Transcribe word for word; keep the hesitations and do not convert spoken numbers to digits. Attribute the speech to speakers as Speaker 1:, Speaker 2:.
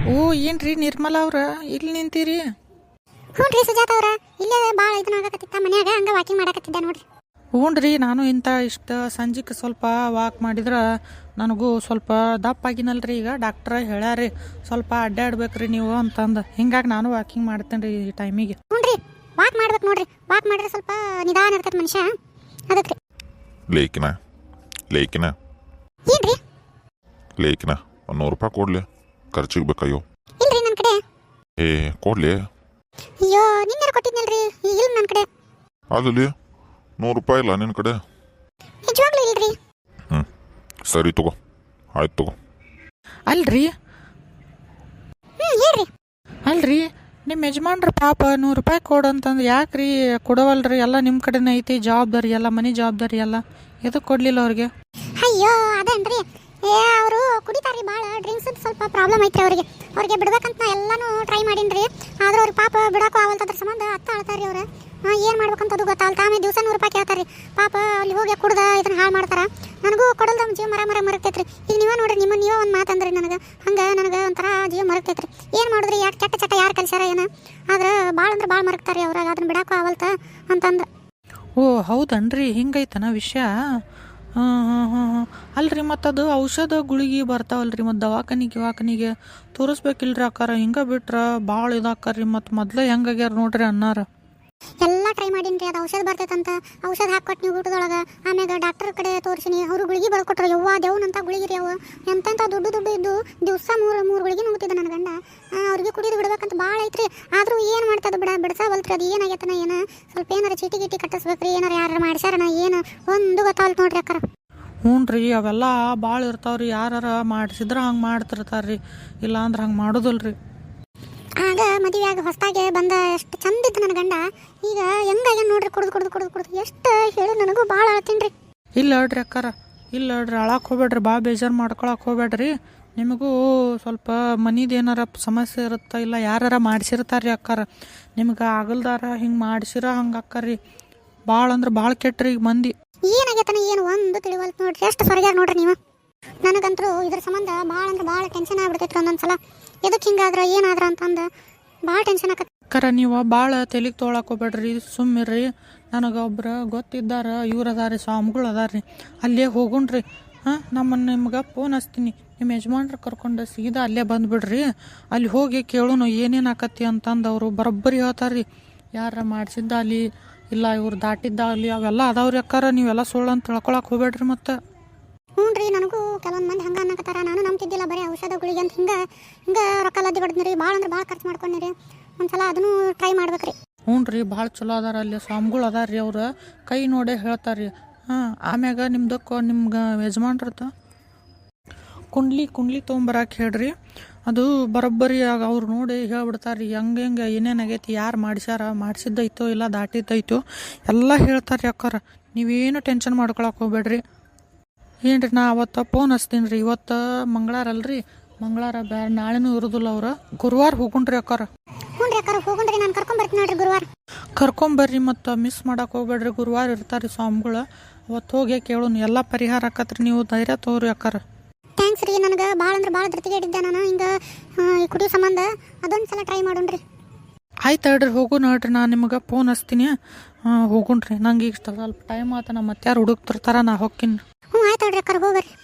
Speaker 1: ಓ ಏನ್ರಿ ನಿರ್ಮಲಾ ಅವ್ರ ಇಲ್ಲಿ ನಿಂತೀರಿ?
Speaker 2: ಹ್ಞೂ ರೀ ಸುಜಾತ ಅವ್ರ, ಇಲ್ಲೇ ಭಾಳ ಇದನ್ನ ಆಗಕತ್ತಿತ್ತ ಮನ್ಯಾಗ, ಹಂಗ ವಾಕಿಂಗ್ ಮಾಡಕತ್ತಿದ್ದ ನೋಡ್ರಿ.
Speaker 1: ಹ್ಞೂನ್ರಿ, ನಾನು ಇಂಥ ಇಷ್ಟು ಸಂಜೆಗೆ ಸ್ವಲ್ಪ ವಾಕ್ ಮಾಡಿದ್ರೆ ನನಗೂ ಸ್ವಲ್ಪ ದಪ್ಪ ಆಗಿನಲ್ರಿ. ಈಗ ಡಾಕ್ಟ್ರ ಹೇಳ್ಯಾರಿ ಸ್ವಲ್ಪ ಅಡ್ಡಾಡ್ಬೇಕ್ರಿ ನೀವು ಅಂತಂದು, ಹಿಂಗಾಗಿ ನಾನು ವಾಕಿಂಗ್ ಮಾಡ್ತೇನೆ ರೀ ಈ ಟೈಮಿಗೆ.
Speaker 2: ಹ್ಞೂ ರೀ, ವಾಕ್ ಮಾಡ್ಬೇಕು ನೋಡ್ರಿ. ವಾಕ್ ಮಾಡಿದ್ರೆ ಸ್ವಲ್ಪ ನಿಧಾನ ಇರ್ತೈತೆ ಮನುಷ್ಯ, ಅದಕ್ಕೆ ರೀ.
Speaker 3: ಲೇಕಿನ ಲೇಕಿನ
Speaker 2: ಏನ್ರಿ
Speaker 3: ಲೇಕಿನ ಒಂದು ನೂರು ರೂಪಾಯಿ ಕೊಡ್ಲಿ, ಖರ್ಚಿಗೆ ಬೇಕಯ್ಯೋ.
Speaker 2: ಇಲ್ರಿ ನನ್ನ ಕಡೆ.
Speaker 3: ಏ ಕೊಡ್ಲಿ.
Speaker 2: ಅಯ್ಯೋ ನಿನ್ನೆ ಕೊಟ್ಟಿದ್ನಲ್ರಿ, ಇಲ್ಲ ನನ್ನ ಕಡೆ.
Speaker 3: ಅದಲ್ಲಿ ನೂರು ರೂಪಾಯಿ ಇಲ್ಲ ನಿನ್ನ ಕಡೆ?
Speaker 2: ನಿಜವಾಗ್ಲೂ ಇಲ್ರಿ.
Speaker 3: ಹ್ಞೂ ಸರಿ ತಗೋ, ಆಯ್ತು ತಗೋ.
Speaker 1: ಅಲ್ರಿ
Speaker 2: ಹ್ಞೂ ಹೇಳ್ರಿ.
Speaker 1: ಅಲ್ರಿ ನಿಮ್ಮ ಯಜಮಾನ್ರ ಪಾಪ ನೂರು ರೂಪಾಯಿ ಕೊಡು ಅಂತಂದು ಯಾಕ್ರಿ ಕೊಡವಲ್ರಿ? ಎಲ್ಲ ನಿಮ್ಮ ಕಡೆನೇ ಐತಿ ಜವಾಬ್ದಾರಿ, ಎಲ್ಲ ಮನೆ ಜವಾಬ್ದಾರಿ ಎಲ್ಲ, ಎದಕ್ಕೆ ಕೊಡಲಿಲ್ಲ ಅವ್ರಿಗೆ?
Speaker 2: ಅಯ್ಯೋ ಅದೇನ್ರಿ, ಏ ಅವರು ಕುಡಿತಾರ್ರಿ ಭಾಳ, ಡ್ರಿಂಕ್ಸ್ ಸ್ವಲ್ಪ ಪ್ರಾಬ್ಲಮ್ ಐತ್ರಿ ಅವ್ರಿಗೆ. ಅವ್ರಿಗೆ ಬಿಡ್ಬೇಕಂತ ನಾ ಎಲ್ಲಾನು ಟ್ರೈ ಮಾಡೀನಿ, ಆದ್ರೆ ಅವ್ರಿಗೆ ಪಾಪ ಬಿಡೋಕ್ಕೂ ಆಗಲ್ತದ್ರ ಸಂಬಂಧ ಅತ್ತ ಆಳ್ತಾರ್ರಿ ಅವ್ರು. ಏನು ಮಾಡ್ಬೇಕಂತ ಅದು ಗೊತ್ತಾಗಲ್ಲ. ಆಮೇಲೆ ದಿವಸ ನೂರು ರೂಪಾಯಿ ಕೇಳ್ತಾರೆ ಪಾಪ, ಅಲ್ಲಿ ಹೋಗಿ ಕುಡ್ದ ಇದನ್ನ ಹಾಳು ಮಾಡ್ತಾರೆ. ನನಗೂ ಕೊಡಲ್ದ ಜೀವ ಮರ ಮರ ಮರಗ್ತೈತ್ರಿ. ಈಗ ನೀವೇ ನೋಡ್ರಿ, ನಿಮ್ಮ ನೀವೇ ಒಂದು ಮಾತಂದ್ರಿ ನನಗೆ, ಹಂಗೆ ನನಗೆ ಒಂಥರ ಜೀವ ಮರಗ್ತೈತ್ರಿ. ಏನು ಮಾಡಿದ್ರಿ, ಯಾಕೆ ಕೆಟ್ಟ ಚಟ ಯಾರು ಕಲ್ಸ್ಯಾರ ಏನು, ಆದ್ರೆ ಭಾಳ ಅಂದ್ರೆ ಭಾಳ ಮರಗ್ತಾರೆ ಅವ್ರಾಗ, ಅದನ್ನ ಬಿಡೋಕ್ಕೂ ಆಗಲ್ತ ಅಂತಂದು.
Speaker 1: ಓ ಹೌದನ್ರಿ, ಹಿಂಗೈತನ ವಿಷಯ? ಹಾಂ ಹಾಂ ಹಾಂ ಹಾಂ ಅಲ್ರಿ ಮತ್ತು ಅದು ಔಷಧ ಗುಳಿಗೆ ಬರ್ತಾವಲ್ರಿ, ಮತ್ತು ದವಾಖಾನಿಗೆ ದವಾಖಾನಿಗೆ ತೋರಿಸ್ಬೇಕಿಲ್ರಿ ಅಕ್ಕಾರ. ಹಿಂಗೆ ಬಿಟ್ರೆ ಭಾಳ ಇದಾಕರ್ರಿ, ಮತ್ತು ಮೊದಲೇ ಹೆಂಗಾಗ್ಯಾರ ನೋಡ್ರಿ ಅನ್ನಾರ.
Speaker 2: ಎಲ್ಲ ಟ್ರೈ ಮಾಡೀನಿ, ಅದು ಔಷಧ ಬರ್ತೈತಂತ ಔಷಧ ಹಾಕೊಟ್ಟು ನೀವು ಊಟದೊಳಗೆ. ಆಮ್ಯಾಗ ಡಾಕ್ಟರ್ ಕಡೆ ತೋರಿಸಿನಿ, ಅವರು ಗುಳಿಗೆ ಬರ್ಕೊಟ್ರು. ಯವ್ವ ದೇವ್ನಂತ ಗುಳಿಗೆ ರೀ ಅವು, ಎಂತೆಂಥ ದುಡ್ಡು ದುಡ್ಡು ಇದ್ದು ದಿವಸ ಮೂರು ಮೂರು ಗುಳಿಗೆ ನುಗ್ತಿದ್ದ ನನ್ನ ಗಂಡ. ಅವ್ರಿಗೆ ಕುಡಿದು ಬಿಡ್ಬೇಕಂತ ಭಾಳ ಐತ್ರಿ, ಆದರೂ ಏನು ಮಾಡ್ತದೆ ಬಿಡ ಬಿಡ್ಸಾವಲ್ತ್ರಿ. ಅದು ಏನಾಗೈತನ ಏನು, ಸ್ವಲ್ಪ ಏನಾರ ಚೀಟಿ ಗೀಟಿ ಕಟ್ಟಿಸ್ಬೇಕ್ರಿ, ಏನಾರ ಯಾರು ಮಾಡ್ಸ್ಯಾರನ ಏನು ಒಂದು ಗೊತ್ತಾವಲ್ತು ನೋಡ್ರಿ ಅಕ್ಕಾರ.
Speaker 1: ಹ್ಞೂ ರೀ, ಅವೆಲ್ಲ ಭಾಳ ಇರ್ತಾವ್ರಿ, ಯಾರು ಮಾಡಿಸಿದ್ರೆ ಹಂಗೆ ಮಾಡ್ತಿರ್ತಾರ್ರಿ, ಇಲ್ಲ ಅಂದ್ರೆ ಹಂಗೆ ಮಾಡೋದಿಲ್ರಿ.
Speaker 2: ಆಗ ಮದುವೆಯಾಗ ಹೊಸದಾಗೆ ಬಂದ ಎಷ್ಟು ಚಂದ ಇತ್ತು ನನ್ನ ಗಂಡ, ಈಗ ಹೆಂಗಾಗ್ಯಾನ ನೋಡ್ರಿ, ಕುಡ್ದು ಕುಡ್ದು ಕುಡ್ದು ಕುಡ್ದು ಎಷ್ಟು ಹೇಳಿ ನನಗೂ ಭಾಳ ಅಳ್ತೀನಿ ರೀ.
Speaker 1: ಇಲ್ಲ ಹೇಳ್ರಿ ಅಕ್ಕಾರ, ಇಲ್ಲ ಹೇಳ್ರಿ, ಅಳಕ್ಕೆ ಹೋಗ್ಬೇಡ್ರಿ, ಭಾಳ ಬೇಜಾರು ಮಾಡ್ಕೊಳಕ್ಕೆ ಹೋಗ್ಬೇಡ್ರಿ. ನಿಮಗೂ ಸ್ವಲ್ಪ ಮನಿದು ಏನಾರ ಸಮಸ್ಯೆ ಇರುತ್ತೆ, ಇಲ್ಲ ಯಾರಾರ ಮಾಡಿಸಿರ್ತಾರೆ ರೀ ಅಕ್ಕಾರ, ನಿಮ್ಗೆ ಆಗಲ್ದಾರ ಹಿಂಗೆ ಮಾಡಿಸಿರ ಹಂಗೆ ಅಕ್ಕರಿ. ಭಾಳ ಅಂದ್ರೆ ಭಾಳ ಕೆಟ್ಟ್ರಿ ಈಗ ಮಂದಿ.
Speaker 2: ಏನಾಗೈತನ ಏನು ಒಂದು ತಿಳಿವಲ್ತು ನೋಡ್ರಿ, ಎಷ್ಟು ಸರಿಯಾಗಿ ನೋಡ್ರಿ ನೀವು. ನನಗಂತರೂ ಇದ್ರ ಸಂಬಂಧ ಭಾಳ ಅಂದ್ರೆ ಭಾಳ ಟೆನ್ಷನ್ ಆಗ್ಬಿಡ್ತೈತ್ರಿ ಒಂದೊಂದ್ಸಲ. ಎದಕ್ಕೆ ಹಿಂಗಾದ್ರೆ ಏನಾದ್ರ ಅಂತಂದು ಭಾಳ ಟೆನ್ಷನ್ ಆಗತ್ತೆ.
Speaker 1: ಅಕ್ಕಾರ ನೀವು ಭಾಳ ತೆಲಿಗೆ ತೊಗೊಳಕ್ಕೆ ಹೋಗ್ಬೇಡ್ರಿ, ಸುಮ್ಮಿರ್ರಿ. ನನಗೆ ಒಬ್ರು ಗೊತ್ತಿದ್ದಾರ, ಇವ್ರು ಅದಾರಿ ಸ್ವಾಮಿಗಳು ಅದಾರ್ರಿ, ಅಲ್ಲೇ ಹೋಗುಣ್ರಿ. ಹಾಂ ನಮ್ಮನ್ನು ನಿಮ್ಗೆ ಫೋನ್ ಹಚ್ತೀನಿ, ನಿಮ್ಮ ಯಜಮಾನ್ರು ಕರ್ಕೊಂಡು ಸೀದಾ ಅಲ್ಲೇ ಬಂದುಬಿಡ್ರಿ. ಅಲ್ಲಿ ಹೋಗಿ ಕೇಳೋನು ಏನೇನು ಆಕತಿ ಅಂತಂದು ಅವರು ಬರೋಬ್ಬರಿ ಹೇಳ್ತಾರೆ ರೀ. ಯಾರ ಮಾಡಿಸಿದ್ದ ಅಲ್ಲಿ ಇಲ್ಲ ಇವ್ರು ದಾಟಿದ್ದ ಅಲ್ಲಿ ಅವೆಲ್ಲ ಅದಾವ್ರಿ ಅಕ್ಕಾರ, ನೀವೆಲ್ಲ ಸುಳ್ಳು ಅಂತ ತಿಳ್ಕೊಳಕ್ಕೆ ಹೋಗ್ಬೇಡ್ರಿ. ಮತ್ತು
Speaker 2: ಹ್ಞೂ ರೀ, ನನಗೂ ಕೆಲವೊಂದು ಮಂದಿ ಹಂಗೆ ಅನ್ನಕತ್ತಾರ, ನಾನು ನಂಬ್ತಿದ್ದಿಲ್ಲ, ಬರೀ ಔಷಧ ಗುಳಿಗೆ ಅಂತ ಹಿಂಗೆ ಹಿಂಗೆ ರೊಕ್ಕ ಲದ್ದಿ ಬಡ್ದ್ನಿ ರೀ, ಭಾಳ ಅಂದ್ರೆ ಭಾಳ ಖರ್ಚು ಮಾಡ್ಕೊಂಡ್ರಿ. ಒಂದ್ಸಲ ಅದನ್ನು ಟ್ರೈ ಮಾಡ್ಬೇಕ್ರಿ.
Speaker 1: ಹ್ಞೂ ರೀ, ಭಾಳ ಚಲೋ ಅದಾರ ಅಲ್ಲಿ ಸ್ವಾಮಿಗಳು ಅದಾರ ರೀ, ಅವ್ರು ಕೈ ನೋಡೇ ಹೇಳ್ತಾರೆ ರೀ. ಹಾಂ ಆಮ್ಯಾಗ ನಿಮ್ದಕ್ಕೆ ನಿಮ್ಗೆ ಯಜಮಾನ್ರದ್ದು ಕುಂಡ್ಲಿ ಕುಂಡ್ಲಿ ತೊಗೊಂಬರಕ್ಕೆ ಹೇಳ್ರಿ, ಅದು ಬರೋಬ್ಬರಿ ಆಗ ಅವ್ರು ನೋಡಿ ಹೇಳ್ಬಿಡ್ತಾರೆ ರೀ, ಹೆಂಗೆ ಹೆಂಗೆ ಏನೇನು ಆಗೈತಿ, ಯಾರು ಮಾಡಿಸ್ಯಾರ, ಮಾಡಿಸಿದ್ದೈತೋ ಇಲ್ಲ ದಾಟಿದ್ದೈತೋ ಎಲ್ಲ ಹೇಳ್ತಾರೆ ರೀ ಅಕ್ಕಾರ. ನೀವೇನು ಟೆನ್ಷನ್ ಮಾಡ್ಕೊಳಕ್ಕೆ ಹೋಗ್ಬೇಡ್ರಿ. ಏನು ರೀ, ನಾ ಅವತ್ತು ಫೋನ್ ಹಚ್ತೀನಿ ರೀ. ಇವತ್ತು ಮಂಗಳವಾರ ಅಲ್ರಿ, ಮಂಗಳವಾರ ಬ್ಯಾ ನಾಳೆನೂ ಇರೋದಿಲ್ಲ ಅವ್ರು, ಗುರುವಾರ ಹೋಗುಣ್ರಿ ಅಕ್ಕಾರ.
Speaker 2: ಹ್ಞೂ ರೀ ಅಕ್ಕಾರ, ಹೋಗುಣ್ರಿ, ನಾನು ಕರ್ಕೊಂಬರ್ತೀನಿ ನೋಡ್ರಿ ಗುರುವಾರ.
Speaker 1: ಕರ್ಕೊಂಬರ್ರಿ, ಮತ್ತು ಮಿಸ್ ಮಾಡಕ್ಕೆ ಹೋಗ್ಬೇಡ್ರಿ. ಗುರುವಾರ ಇರ್ತಾರೆ ಸ್ವಾಮಿಗಳು, ಅವತ್ತು ಹೋಗಿ ಕೇಳೋನು, ಎಲ್ಲ ಪರಿಹಾರ ಆಕತ್ರಿ. ನೀವು ಧೈರ್ಯ ತಗೋರಿ ಅಕ್ಕಾರ.
Speaker 2: ಥ್ಯಾಂಕ್ಸ್ ರೀ, ನನಗೆ ಭಾಳ ಅಂದ್ರೆ ಭಾಳ ಧೃತಿಗೆ ಇಟ್ಟಿದ್ದೆ ನಾನು ಹಿಂಗೆ ಕುಡಿಯೋ ಸಂಬಂಧ. ಅದೊಂದು ಸಲ ಟ್ರೈ ಮಾಡೋಣ್ರಿ.
Speaker 1: ಆಯ್ತು ಹೇಳ್ರಿ, ಹೋಗು ನೋಡ್ರಿ, ನಾನು ನಿಮಗೆ ಫೋನ್ ಹಚ್ತೀನಿ. ಹಾಂ ಹೋಗುಣ್ರಿ, ನಂಗೆ ಈಗ ಸ್ವಲ್ಪ ಟೈಮ್ ಆತ, ನಮ್ಮ ಮತ್ತೆ ಯಾರು ಹುಡುಕ್ತಿರ್ತಾರ, ನಾ ಹೋಗ್ತೀನಿ.
Speaker 2: ಹ್ಞೂ ಆಯ್ತು ಹೇಳ್ರಿ ಅಕ್ಕಾರ, ಹೋಗ್ಬರ್ರಿ.